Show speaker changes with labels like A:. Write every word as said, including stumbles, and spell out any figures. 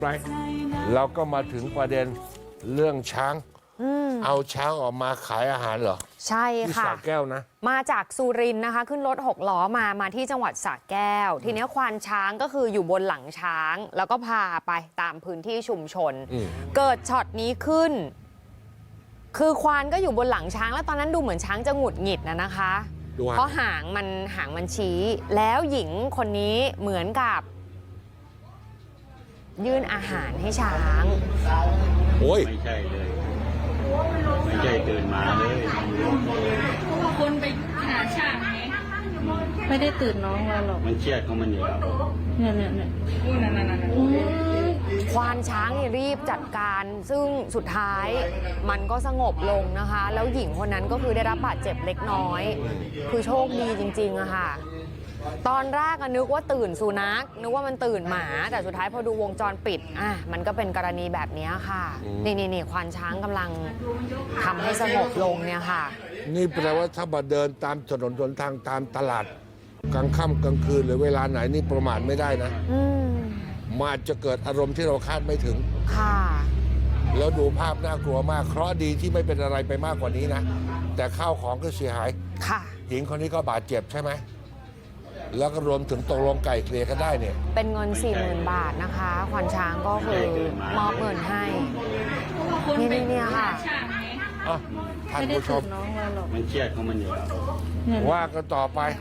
A: ไรเราก็มาถึงประเด็นเรื่องช้างเอาช้างออกมาขายอาหารเหรอ
B: ใช่
A: ที่
B: ค่ะ
A: สระแก้วนะ
B: มาจากสุรินทร์นะคะ ขึ้นรถหกล้อมามาที่จังหวัดสระแก้ว ทีนี้ควานช้างก็คืออยู่บนหลังช้าง แล้วก็พาไปตามพื้นที่ชุมชน
A: อืม
B: เกิดช็อตนี้ขึ้น คือควานก็อยู่บนหลังช้าง แล้วตอนนั้นดูเหมือนช้างจะหงุดหงิดนะนะคะ
A: ดูฮะ
B: เพราะหางมันหางมันชี้ แล้วหญิงคนนี้เหมือนกับ ยื่นอาหารให้ช้าง
A: โอ้ย
C: ไม่ใช่เลย ไม่ใช่ตื่นมาเลย
D: คนไปหาช่างไง
E: ไม่ได้ตื่นน้องมาหรอก
C: มันเครียดของมันอยู่แล้ว
E: เนี่ยเนี่ยเนี่ย
D: อู้นั่นนั่นนั่น
E: อืม
B: ควานช้างเนี่ยรีบจัดการ ซึ่งสุดท้ายมันก็สงบลงนะคะ แล้วหญิงคนนั้นก็คือได้รับบาดเจ็บเล็กน้อย คือโชคดีจริงๆอะค่ะ ตอนแรกอะนึกว่าตื่นสุนัขนึกว่ามันตื่นหมา แต่สุดท้ายพอดูวงจรปิดอ่ะมันก็เป็นกรณีแบบนี้ค่ะ นี่นี่นี่ควานช้างกำลังทำให้สงบลงเนี่ยค่ะ
A: นี่แปลว่าถ้ามาเดินตามถนนหนทางตามตลาดกลางค่ำกลางคืนหรือเวลาไหนนี่ประมาทไม่ได้นะ
B: อืม
A: มันอาจจะเกิดอารมณ์ที่เราคาดไม่ถึง
B: ค่ะ
A: แล้วดูภาพน่ากลัวมากเคราะห์ดีที่ไม่เป็นอะไรไปมากกว่านี้นะ แต่ข้าวของก็เสียหาย
B: ค่ะ
A: หญิงคนนี้ก็บาดเจ็บใช่ไหมแล้วก็รวมถึงตกลงไก่เกลี่ยกันได้เนี่ย
B: เป็นเงิน สี่หมื่น บาทนะคะ ควานช้างก็คือมอบเงินให้
D: คนไป
B: นี่เนี่ยค่ะ
D: หาช่างไง
A: อ่ะท่าน
E: ไม่ได้
A: ผู้ช
E: ตื่
A: ม
E: นน้องมาหรอก
C: มันเครียดของมันอยู่แล้ว
E: เนี่ย
A: ว่ากันต่อไป